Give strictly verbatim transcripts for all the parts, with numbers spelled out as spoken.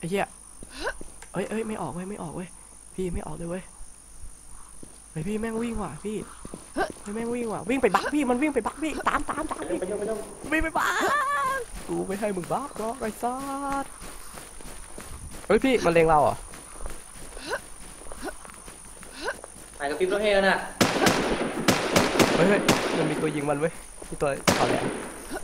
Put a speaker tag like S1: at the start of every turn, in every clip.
S1: อ้เหี้ยเอ้ยเอ้ยไม่ออกเว้ยไม่ออกเว้ยพี่ไม่ออกเลยเว้ยเฮ้ยพี่แม่งวิ่งว่ะพี่เฮ้ยแม่งวิ่งว่ะวิ่งไปบักพี่มันวิ่งไปบักพี่ตามตามตามพี่วิ่งไปบักกูไม่ให้มึงบักหรอกไอ้สัสเฮ้ยพี่มันเลงเราเหรอ
S2: หายกับฟิปรถเฮแล้วน่ะ
S1: เฮ้ยมันมีตัวยิงมันเว้ยมีตัวถอดแหลม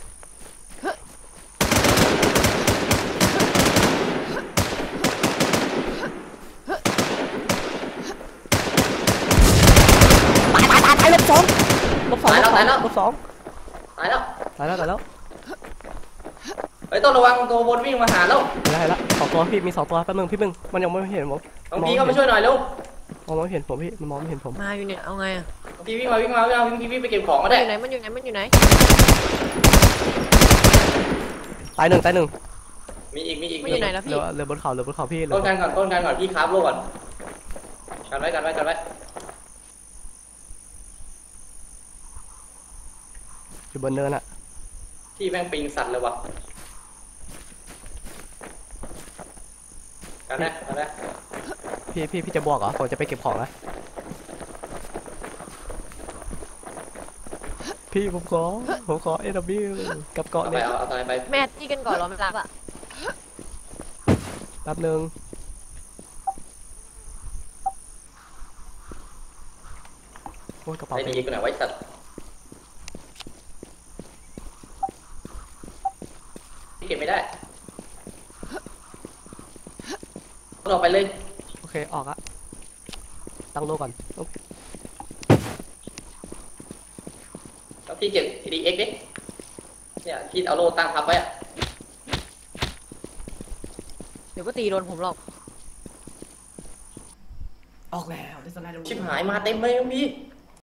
S1: ตายตายตายลบสองลบสองลบสองลบสอง
S2: ตายแล้ว
S1: ตายแล้วตายแล้ว
S2: เฮ้ยต้องระวังตัวบนวิ่งมาหาแล้ว
S1: ได้แล้วสองตัวพี่มีสองตัวแป๊บนึงพี่มึงมันยังไม่เห็นผม
S2: บางทีก็มาช่วยหน่อยเร็ว
S1: มองไม่เห็นผมพี่มันมองไม่เห็นผม
S3: มาอยู่เนี่ยเอาไงอ่ะ
S2: บางทีวิ่งมาวิ่งมาวิ่งมาวิ่งวิ่งไปเก็บของก็ได้
S3: อยู่ไหนมันอยู่ไหนมันอยู่ไหน
S1: ตายหนึ่งตายหนึ่ง
S2: มีอีกมีอีก
S3: มันอยู่ไหนแล้วพี่
S1: เรือบนเขาเรือบนเขาพี่
S2: ต้นกันก่อนต้นกันก่อนพี่คราฟโลก่อนกันไว้กันไว้กันไว้
S1: อยู่บนเนินอะ
S2: ที่แม่งปิงสัตว์เลยวะกันได้กันได้
S1: พี่พี่พี่จะบวกเหรอผมจะไปเก็บของนะพี่ผมขอผมขอเอวกับเกาะ
S2: เนี่ย
S1: เอา
S2: เอาไป
S3: แม่ที่กันก่อนเราไม่รับอ่ะ
S1: แป๊บนึงโอ้ยกระเป๋า
S2: ไอ้ดีกูไหนไว้สัตว์เก็บไม่ได้ต้องออกไปเลย
S1: โอเคออกอะตั้งโลก่อน
S2: แล้วพี่เก็บ ดี เอ็กซ์ ดิเนี่ยพี่เอาโลตั้งทับไว้อะ
S3: เดี๋ยวก็ตีโดนผมหรอก
S1: ออกแล้ว
S2: ชิบหายมาเต็มเลยพี่